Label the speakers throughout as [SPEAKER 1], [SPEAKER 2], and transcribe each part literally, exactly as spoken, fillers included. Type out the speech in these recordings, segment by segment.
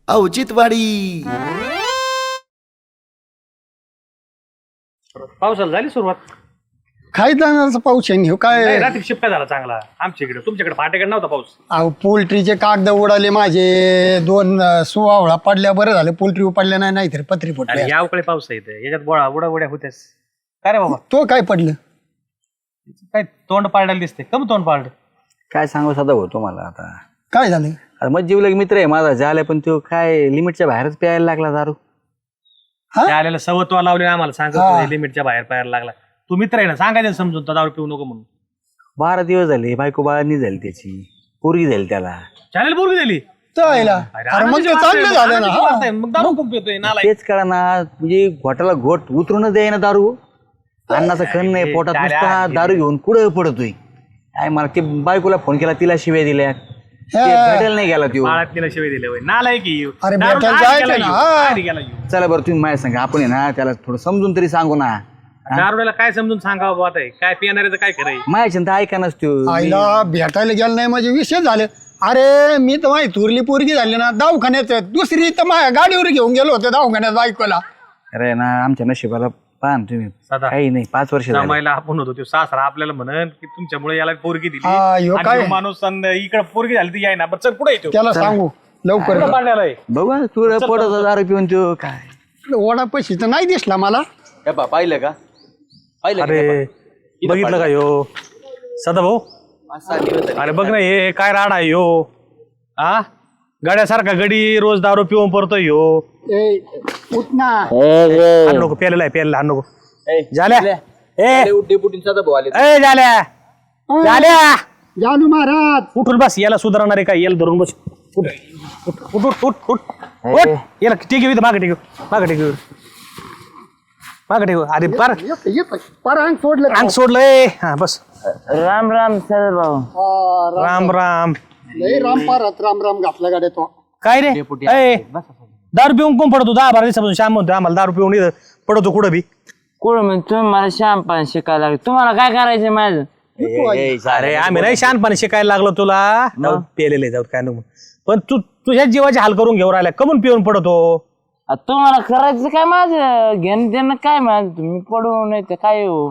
[SPEAKER 1] औचित्यवाडी.
[SPEAKER 2] पावसाला झाली सुरुवात.
[SPEAKER 3] काय जाणार पाऊस आहे काय
[SPEAKER 2] रात्री शिपका झाला चांगला आमच्या इकडे. तुमच्याकडे फाट्याकडे नव्हता पाऊस.
[SPEAKER 3] अहो पोल्ट्रीचे कागद उडाले माझे दोन सुवावळा पडल्या बरं झालं पोल्ट्री पडल्या नाही नाहीतर पत्री फुटल्या.
[SPEAKER 2] या उकडे पाऊस आहे याच्यात बोळा उडा उड्या होत्यास काय रे बाबा.
[SPEAKER 3] तो काय पडलं
[SPEAKER 2] काय तोंड पाडायला दिसते कम तोंड पाड.
[SPEAKER 4] काय सांगू सदा हो तुम्हाला आता.
[SPEAKER 3] काय झालं
[SPEAKER 4] आता मग जीवलग मित्र आहे माझा झालाय पण तो काय लिमिटच्या बाहेरच प्यायला लागला दारू.
[SPEAKER 2] त्या आलेला सवत्वा लावले आम्हाला सांगत लिमिटच्या बाहेर पाहायला लागला. तू मित्र आहे ना सांगायचं समजून तर दारू पिऊ नको म्हणून.
[SPEAKER 4] बारा दिवस झाले बायको बाळांनी झाली त्याची पोरगी झाली त्याला.
[SPEAKER 2] चॅनल बोलू दिली
[SPEAKER 3] चायला. अरे मग ते चांगलं झालं ना हा.
[SPEAKER 2] मग दारू खूप पितोय नाला.
[SPEAKER 4] तेच कळा ना म्हणजे घोटाला घोट उतरूनच द्याय ना दारू. अन्नाचा कण नाही पोटात नुसता दारू घेऊन कुठं पडतोय. काय मला ते बायकोला फोन केला तिला शिव्या दिल्या भेटायला नाही गेला तो.
[SPEAKER 2] बाळात तिला शिवाय दिले नाला की
[SPEAKER 3] अरे भेटायला जायचं ना हा.
[SPEAKER 4] चला बरं तुम्ही माझ्या सांगा आपण आहे ना त्याला थोडं समजून तरी सांगू ना.
[SPEAKER 2] दारुड्याला काय समजून सांगावं बात आहे काय पिणाऱ्याचं काय कराय.
[SPEAKER 4] माझ्या तर ऐका नसतो.
[SPEAKER 3] आईला भेटायला गेलं नाही म्हणजे विषय झाले. अरे मी तर माझी थुरली पोरगी झाली ना दवाखान्यात दुसरी तर माझ्या गाडीवर घेऊन गेलो होते दवाखान्यात बायकोला.
[SPEAKER 4] अरे ना आमच्या नशिबाला पाहा ना तुम्ही काही नाही पाच वर्ष झाली.
[SPEAKER 2] जमायला आपण होतो तो सासरा आपल्याला म्हणन की तुमच्यामुळे याला पोरगी दिली
[SPEAKER 3] हा, ह्यो
[SPEAKER 2] आणि
[SPEAKER 3] काय?
[SPEAKER 2] ह्यो माणूस इकडे पोरगी झाली ती याय ना बरं चल पुढे येतो
[SPEAKER 3] त्याला सांगू लवकर
[SPEAKER 4] बघा तुला पडत दारू पिऊन तो काय
[SPEAKER 3] ओढा पैसे तर नाही दिसला मला.
[SPEAKER 4] पाहिलं का पाहिलं
[SPEAKER 2] अरे बघितलं का यो सदा भाऊ. अरे बघ ना हे काय राड आहे यो. हा गड्यासारखा गडी रोज दारू पिऊन पडतोय यो.
[SPEAKER 3] ए उठ ना.
[SPEAKER 2] हाण नको प्यालेला आहे प्यालेला हाण नको. झाल्या ए ए झाल्या झाल्या
[SPEAKER 3] जानू महाराज
[SPEAKER 2] उठून बस याला सुधारणार आहे काय याला धरून बस. उठ उठ उठ उठ उठ उठ याला ठीक आहे मागे टेक मागे टेक मागे टेक. अरे पार
[SPEAKER 3] पर अंग सोडलं
[SPEAKER 2] अंग सोडलंय. हा बस
[SPEAKER 4] राम राम सर भाऊ.
[SPEAKER 2] राम राम.
[SPEAKER 3] लय राम पारात राम राम घातला गाड्या तो.
[SPEAKER 2] काय रे ए, दारू पिऊन कोण पडतो दहा बारा दिवसापासून श्याम म्हणतोय आम्हाला दारू पिऊन इथं पडतो कुठं बी.
[SPEAKER 5] कुठं म्हणजे तुम्ही मला शहाणपण शिकायला लागले. तुम्हाला काय करायचं माझं.
[SPEAKER 2] अरे आम्ही नाही शहाणपणे शिकायला लागलो तुला. पेलेले जाऊ काय नको पण तू तुझ्या जीवाचे हाल करून घेऊन राहिला कमून पिऊन पडतो.
[SPEAKER 5] आ, तुम्हाला करायचं काय माझं घेणं देणं काय माझं. तुम्ही पडू नाही तर काय हो.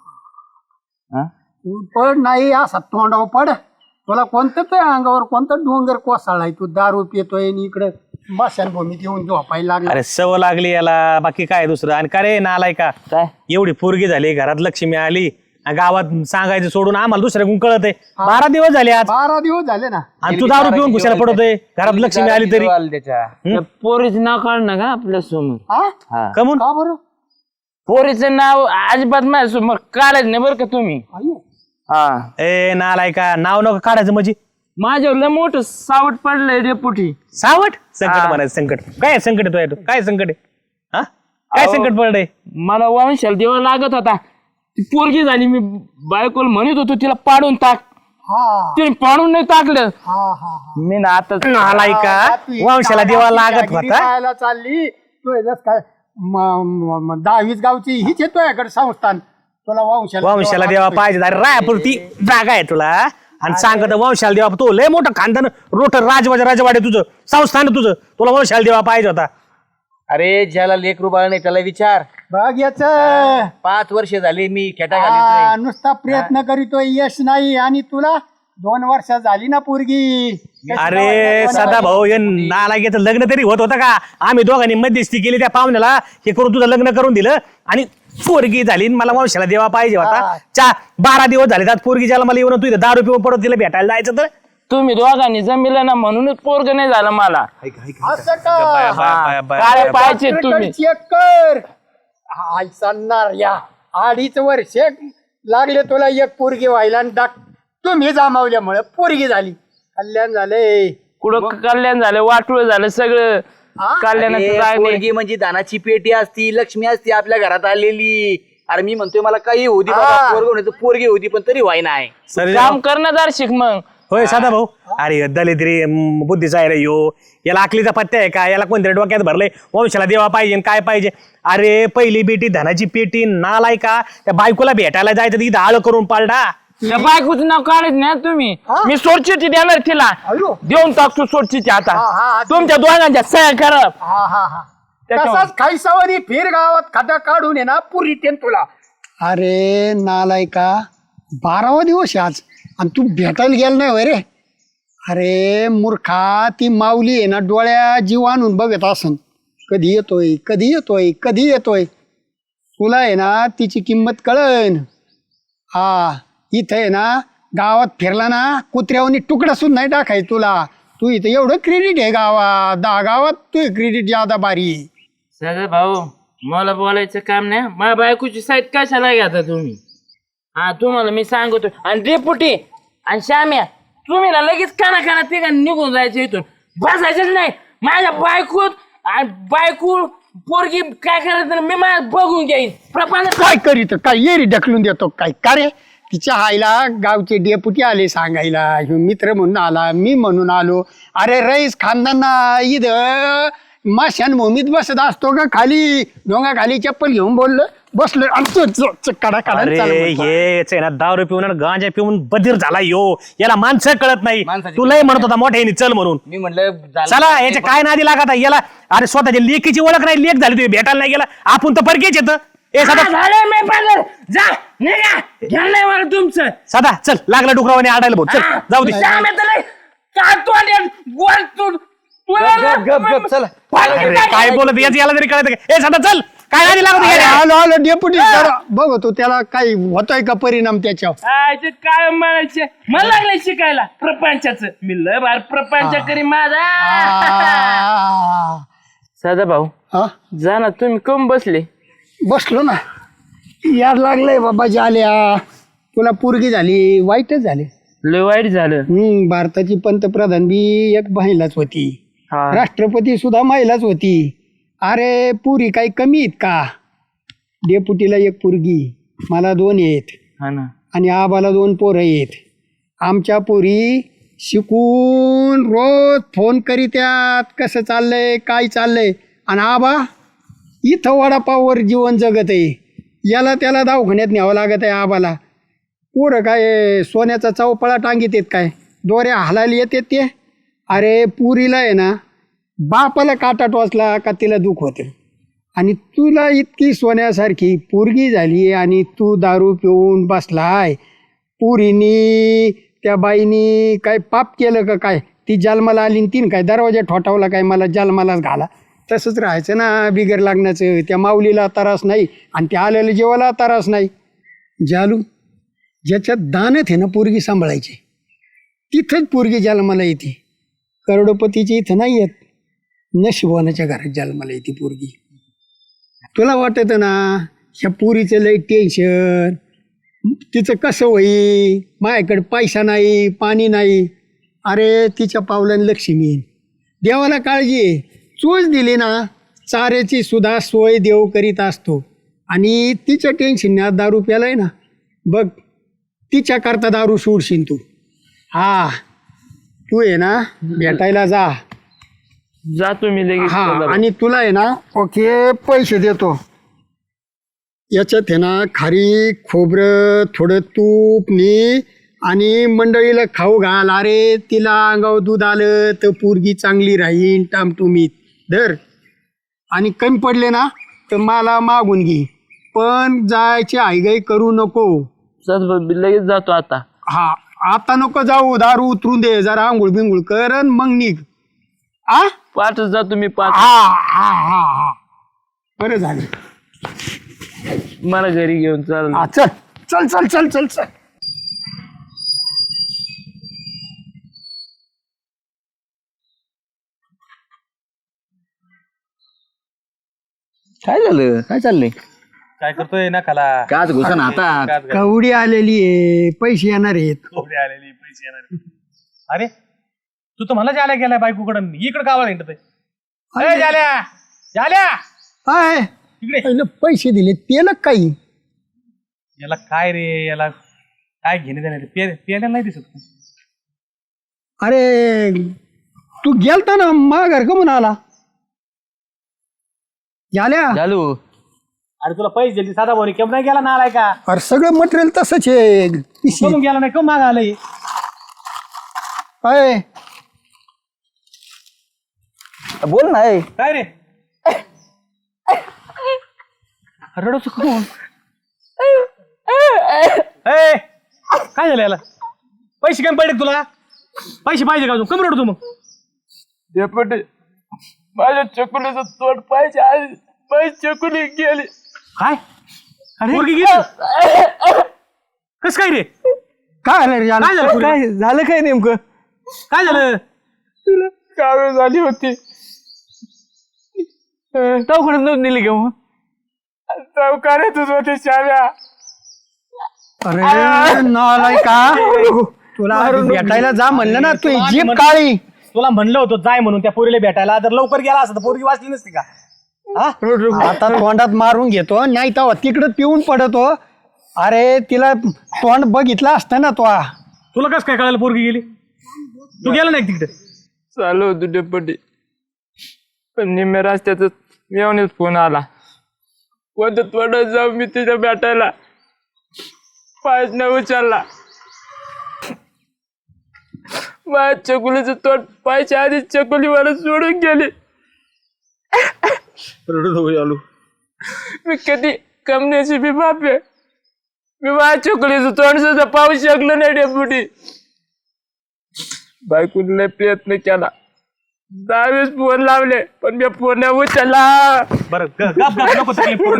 [SPEAKER 3] पड नाही असा तोंडावर पड. तुला कोणतं अंगावर कोणतं डोंगर कोसळलाय तू दारू पितोय आणि इकडे मशानभूमीत येऊन झोपायला लागला.
[SPEAKER 2] अरे सव लागली याला बाकी काय दुसरं. आणि का रे नालाय का
[SPEAKER 5] काय
[SPEAKER 2] एवढी पोरगी झाली घरात लक्ष्मी आली आणि गावात सांगायचं सोडून आम्हाला दुसऱ्या कळत आहे. बारा दिवस झाले आज
[SPEAKER 3] बारा दिवस झाले ना
[SPEAKER 2] आणि तू दारू पिऊन कुशाला पडतोय घरात लक्ष्मी आली तरी.
[SPEAKER 5] त्या पोरीचं नाव काढ ना का आपल्या समोर.
[SPEAKER 3] हा
[SPEAKER 2] कमून
[SPEAKER 3] का बरं
[SPEAKER 5] पोरीचं नाव अजिबात माझ्या समोर काढायचं नाही बरं का तुम्ही. हा
[SPEAKER 2] ए नालाय का नाव नको काढायचं म्हणजे.
[SPEAKER 5] माझ्यावर लय मोठं सावट पडलंय डेपुटी.
[SPEAKER 2] सावट संकट म्हणायचं संकट काय संकट आहे तो काय संकट आहे हा काय संकट पडलंय.
[SPEAKER 5] मला वंशाला देवा लागत होता. ती पोरगी झाली मी बायकोला म्हणत होतो तिला पाडून टाक. तिने पाडून नाही टाकलं. मी ना आता
[SPEAKER 2] नालाय का वंशाला देवा लागत होता.
[SPEAKER 3] चालली तू काय दहावीस गावची हीच येतोय संस्थान तुला वंशाला
[SPEAKER 2] वंशाला देवा पाहिजे. अरे रायापुरती जागा आहे तुला आणि सांगत वंशाला देवा तो लय मोठं खानदान रोटर राजवाजा राजवाडे तुझं संस्थान तुझं तुला वंशाला देवा पाहिजे होता.
[SPEAKER 4] अरे ज्याला लेकरू बाळ नाही त्याला विचार.
[SPEAKER 3] बघ याच
[SPEAKER 4] पाच वर्ष झाली मी खेटा घालतोय.
[SPEAKER 3] नुसता प्रयत्न करीतोय यश नाही आणि तुला दोन वर्ष झाली ना पोरगी.
[SPEAKER 2] अरे सदा भाऊ हे नालायकीचं लग्न तरी होत होतं का. आम्ही दोघांनी मध्यस्थी केली त्या पाहुण्याला हे करून तुझं लग्न करून दिलं आणि पोरगी झाली मला वंशाला देवा पाहिजे होता. चा बारा दिवस झाले त्यात पोरगी ज्याला मला येऊन तू इथं दारू पिऊन पडत तिला भेटायला जायचं तर
[SPEAKER 5] तुम्ही दोघांनी जमिलं ना म्हणूनच पोरग नाही झालं मला.
[SPEAKER 3] असं का
[SPEAKER 5] काय पाहिजे तुम्ही
[SPEAKER 3] चेक कर. हाय सांगणार या अडीच वर्ष लागले तुला एक पोरगी व्हायला आणि डाक तुम्ही जमावल्यामुळे पोरगी झाली. कल्याण झाले
[SPEAKER 5] कुठं कल्याण झालं वाटूळ झालं सगळं. कल्याणाचं काय नाही.
[SPEAKER 4] पोरगी म्हणजे दानाची पेटी असती लक्ष्मी असती आपल्या घरात आलेली. अरे मी म्हणतोय मला काही होती बाबा पोरगी होती पोरगी होती पण तरी व्हाय नाही.
[SPEAKER 5] काम करणार शिक मग.
[SPEAKER 2] होय सदा भाऊ. अरे दलिद्री बुद्धीचा आहे रे यो याला आकलीचा पत्ता आहे का याला कोणत्या डोक्यात भरलंय वंशाला देवा पाहिजे काय पाहिजे. अरे पहिली बेटी धनाची पेटी नालाय का त्या बायकोला भेटायला जायचं तिथं आळ करून पालडा
[SPEAKER 5] त्या बायकोचं नाव काढत नाही तुम्ही. मी सोडचिठी देणार तिला.
[SPEAKER 3] अयो.
[SPEAKER 5] देऊन टाकतो सोडचिठी आता.
[SPEAKER 3] हा, हा,
[SPEAKER 5] तुमच्या दोघांच्या सह्या करा.
[SPEAKER 3] हा हा हा
[SPEAKER 5] त्याच्यावर.
[SPEAKER 3] तसाच खायसावरी फिर गावात खाता काढून ये ना पुरी तेन तुला. अरे नालायका, बारावा दिवस आहे आज आणि तू भेटायला गेला नाही होय रे. अरे मूर्खा, ती माऊली आहे ना डोळ्या जीव आणून बघत असन, कधी येतोय कधी येतोय कधी येतोय. तुला आहे ना तिची किंमत कळन. हा इथं आहे ना गावात फिरला ना कुत्र्यावनी तुकडा सुद्धा नाही टाकाय तुला. तू इथं एवढं क्रेडिट आहे गावात, दहा गावात तू क्रेडिट जादा बारी.
[SPEAKER 5] सगळं भाऊ मला बोलायचं काम नाही. माझ्या बायकोची साईड कशाला घ्या तुम्ही. हा तुम्हाला मी सांगतो. आणि डेपुटी आणि श्याम्या तुम्ही ना लगेच काना काना तिघा निघून जायचं इथून, बसायचंच नाही. माझ्या बायकोत आणि बायको पोरगी काय करायचं मी माझ्या बघून घेईन. प्रपंच
[SPEAKER 3] काय करीत काय येरी ढकलून देतो काय का रे. तिच्या आईला गावचे डेपुटी आले सांगायला, ह्यो मित्र म्हणून आला, मी म्हणून आलो. अरे रईस खानदाना इथं माशान भूमीत बसत असतो का खाली डोंगा खाली चप्पल घेऊन बोललो बसलो आमचं कडा
[SPEAKER 2] अरे हेच आहे ना दारू पिऊन आणि गांजा पिऊन बधीर झाला यो. याला माणसं कळत नाही.
[SPEAKER 4] माणसाची-
[SPEAKER 2] तुलाही म्हणत होता मोठ्याने चल म्हणून.
[SPEAKER 4] मी म्हणलं झालं.
[SPEAKER 2] चला याच्या काय नादी लागत आहे याला. अरे स्वतःच्या लेकीची ओळख नाही, लेख झाली तुम्ही भेटायला नाही गेला. आपण तर परकेच येत. ए सदा
[SPEAKER 5] झालं मी पागल. जा निघा, घ्या नाही मला तुमचं.
[SPEAKER 2] सदा चल, लागला डुकरावाने आडायला भाऊ. चल जाऊ दे.
[SPEAKER 5] श्याम्या तर लय काय तोंड गोल तू
[SPEAKER 4] गप गप गप चला.
[SPEAKER 2] अरे काय बोलत याच याला तरी कळत का. ए सदा चल, काय नादी लागत आहे याला?
[SPEAKER 3] आलो आलो डेपुटी बघतो त्याला काही होतोय का परिणाम त्याच्यावर.
[SPEAKER 5] आयचे काय म्हणायचे मला लागले शिकायला प्रपंचाचं. मी लय बार प्रपंच करी माझा.
[SPEAKER 3] आ,
[SPEAKER 5] सदा भाऊ
[SPEAKER 3] हा?
[SPEAKER 5] जा ना, तुम्ही कम बसले.
[SPEAKER 3] बसलो ना. यार लागलंय बाबा जाल्या, तुला पोरगी झाली वाईटच झाले.
[SPEAKER 5] लय वाईट झालं.
[SPEAKER 3] हम्म भारताची पंतप्रधान बी एक महिलाच होती,
[SPEAKER 5] हा.
[SPEAKER 3] राष्ट्रपती सुद्धा महिलाच होती. अरे पुरी काही कमी आहेत का. डेपुटीला एक पोरगी, मला दोन आहेत
[SPEAKER 5] हा ना.
[SPEAKER 3] आणि आबाला दोन पोरं आहेत. आमच्या पोरी शिकून रोज फोन करीत्यात कसं चाललंय काय चाललंय. आणि आबा इथं वडापाववर जीवन जगत आहे. याला त्याला दवाखान्यात न्यावं लागत आहे आबाला. पोरं काय सोन्याचा चौपळा टांगीत आहेत काय, दोऱ्या हालायला येतात ते. अरे पुरीला आहे ना बापाला काटा टोचला का तिला दुःख होतं. आणि तुला इतकी सोन्यासारखी पोरगी झाली आणि तू दारू पिऊन बसलाय. पुरीनी त्या बाईनी काय पाप केलं का काय. ती जन्माला आली आणि तीन काय दरवाजा ठोठावला काय मला जन्मालाच घाला. तसंच राहायचं ना बिगर लागण्याचं. त्या माऊलीला त्रास नाही आणि त्या आलेल्या जेवाला त्रास नाही. जालू ज्याच्यात दानत आहे ना पोरगी सांभाळायची तिथंच पोरगी जन्माला येते. करोडपतीची इथं नाही येत, नशिबवानाच्या घरात जन्माला येते पोरगी. तुला वाटत ना ह्या पोरीचं लई टेन्शन, तिचं कसं होई, माझ्याकडे पैसा नाही पाणी नाही. अरे तिच्या पावलाने लक्ष्मी येईन. देवाला काळजी आहे. चोच दिली ना चाऱ्याची सुद्धा सोय देव करीत असतो. आणि तिच्या टेन्शनने दारू प्यालाय ना बघ, तिच्या करता दारू सोडशील तू. हा तू आहे ना भेटायला जा.
[SPEAKER 5] जा तुम्ही लगेच.
[SPEAKER 3] हा
[SPEAKER 5] सदा भाऊ.
[SPEAKER 3] आणि तुला आहे ना ओके पैसे देतो. याच्यात आहे ना खारी खोबरं थोडं तूप नी आणि मंडळीला खाऊ घाल. अरे तिला अंगावर दूध आलं तर पोरगी चांगली राहील टामटुमीत धर. आणि कमी पडले ना तर मला मागून घे, पण जायची आईगाई करू नको.
[SPEAKER 5] सदा भाऊ, मी लगेच जातो आता.
[SPEAKER 3] हा आता नको जाऊ, दारू उतरून दे जरा, आंघोळ बिंघोळ कर आणि मग निघ. आ
[SPEAKER 5] पाचच जातो मी. पाच
[SPEAKER 3] हा हा हा हा बरं झालं.
[SPEAKER 5] मला घरी घेऊन चाल.
[SPEAKER 3] हा चल चल चल चल चल चल.
[SPEAKER 4] काय झालं, काय चाललंय.
[SPEAKER 2] काय करतोय ना खाला.
[SPEAKER 4] काच घुसन हातात.
[SPEAKER 3] कवडी आलेली आहे, पैसे येणार आहेत.
[SPEAKER 2] आलेली पैसे येणार. अरे तू तर मला जाल्या गेलाय बायकोकडं, इकडं गावाला हिंडतोय. अरे जाल्या जाल्या
[SPEAKER 3] काय
[SPEAKER 2] इकडे.
[SPEAKER 3] पहिलं पैसे दिले तेल काही.
[SPEAKER 2] याला काय रे, याला काय घेणे देणे पेल्याला नाही दिसत.
[SPEAKER 3] अरे तू गेलता ना माघार का म्हणून आला झाल्या.
[SPEAKER 4] चालू
[SPEAKER 2] अरे तुला पैसे दिले साधा भाऊ केम नाही गेला नालाय का
[SPEAKER 3] अरे सगळं मटेरियल तसंच आहे पिशवी.
[SPEAKER 2] कमून गेला नाही कम माग आलंय
[SPEAKER 3] अय,
[SPEAKER 4] बोल ना ए.
[SPEAKER 2] काय रे रडतो कोण ए काय झालं याला पैसे काय पडले तुला पैसे पाहिजे का अजून कमी रडतो मग
[SPEAKER 5] डेपुटी माझ्या चकुलीचं तोड पाहिजे आज पैसे चकुली गेली
[SPEAKER 2] काय अरे पोरगी गेली कस काय रे
[SPEAKER 3] काय झालं रे याला?
[SPEAKER 2] काय झालं पोरीला?
[SPEAKER 4] काय झालं काय नेमकं
[SPEAKER 2] काय झालं
[SPEAKER 5] तुला कावीळ झाली होती
[SPEAKER 4] दवाखान्यात नव्हतं नेली घेऊन
[SPEAKER 5] चौकारातच होते शाळा
[SPEAKER 3] अरे नालाय का तुला भेटायला जा म्हणलं ना तू जीप काळी.
[SPEAKER 2] तुला म्हणलं होतं जाय म्हणून त्या पोरीला भेटायला जर लवकर गेला असता तर पोरगी वाचली नसती का हा?
[SPEAKER 3] आता तोंडात मारून घेतो नाही तर तिकडं पिऊन पडतो. अरे तिला तोंड बघितलं असतं ना तो.
[SPEAKER 2] तुला कस काय कळायला पोरगी गेली तू गेला नाही तिकडे
[SPEAKER 5] चालू होतो डेपुटी पण निम्म्या रस्त्यातच मेवणीच फोन आला कोणतं थोडं जाऊ मी तिच्या भेटायला पायच न उचलला माझ्या चकुलीचं तोंड पायच्या आधी चकुलीवर सोडून गेली मी कधी कमण्याची बी बाप आहे मी माझ्या चकुलीचं तोंड सुद्धा पाहू शकलो नाही डेपुटी बायकोने लय प्रयत्न केला दहावीस फोन लावले पण मी फोन नाही उचलला
[SPEAKER 2] बरं ग- गप- गप- नको तकलीफ करू.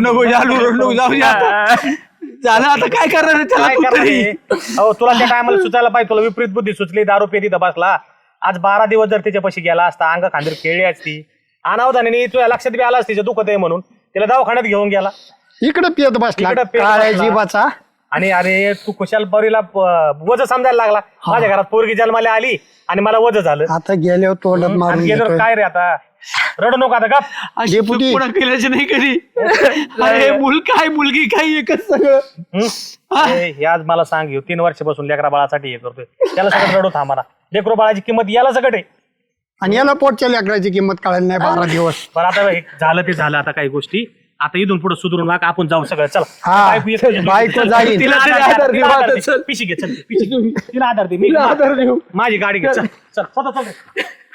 [SPEAKER 4] झालं आता काय करणार आहे त्याला
[SPEAKER 2] काय
[SPEAKER 4] तू
[SPEAKER 2] करणार
[SPEAKER 4] तरी?
[SPEAKER 2] आहे? अहो तुला त्या टायमाला सुचायला पाहिजे तुला विपरीत बुद्धी सुचली दारू पेती बसला आज बारा दिवस जर त्याच्यापाशी गेला असता अंग खांदीर खेळली असती अनावधानाने तुझ्या लक्षात बी आला तिचं दुखत आहे म्हणून तिला दवाखान्यात घेऊन गेला
[SPEAKER 3] इकडं पियत बसला
[SPEAKER 2] इकडं पियत
[SPEAKER 3] काळ्या
[SPEAKER 2] बसला.
[SPEAKER 3] जीवाचा.
[SPEAKER 2] आणि अरे तू कुशाल पोरीला प- वज समजायला लागला माझ्या घरात पोरगी जन्माला आली आणि मला वज झालं
[SPEAKER 3] आता गेल्यावर तोंडात
[SPEAKER 2] आणि
[SPEAKER 3] मारून
[SPEAKER 2] गेल्यावर
[SPEAKER 3] घेतोय.
[SPEAKER 2] काय रे आता रडू नको आता गप
[SPEAKER 4] अशी
[SPEAKER 3] डेपुटी.
[SPEAKER 4] चूक कोणा केल्याची नाही कधी अरे मुल काय मुलगी काय एकच सगळं
[SPEAKER 2] हं? अरे, हे आज मला सांग घेऊ तीन वर्षापासून लेकरा बाळासाठी हे करतोय त्याला सगळं रडू थांबा लेकरो बाळाची किंमत याला सगळं आहे
[SPEAKER 3] आणि याला पोटच्या लेकराची किंमत कळायला नाही बारा दिवस.
[SPEAKER 2] पण आता हे झालं ते झालं आता काही गोष्टी आता इथून पुढे सुधरून वाग आपण जाऊ सगळं चला
[SPEAKER 3] हा.
[SPEAKER 2] बायको येते.
[SPEAKER 3] बायको जाईल.
[SPEAKER 2] तिला
[SPEAKER 4] तिला
[SPEAKER 2] आधार
[SPEAKER 4] आधार
[SPEAKER 2] दे,
[SPEAKER 4] दे,
[SPEAKER 2] तिला आधार
[SPEAKER 4] आता
[SPEAKER 2] दे.
[SPEAKER 4] चल.
[SPEAKER 2] पिशी घे चल पिशी घे. तिला आधार दे मी
[SPEAKER 4] आधार देऊ.
[SPEAKER 2] माझी गाडी घे चल चल स्वतः चल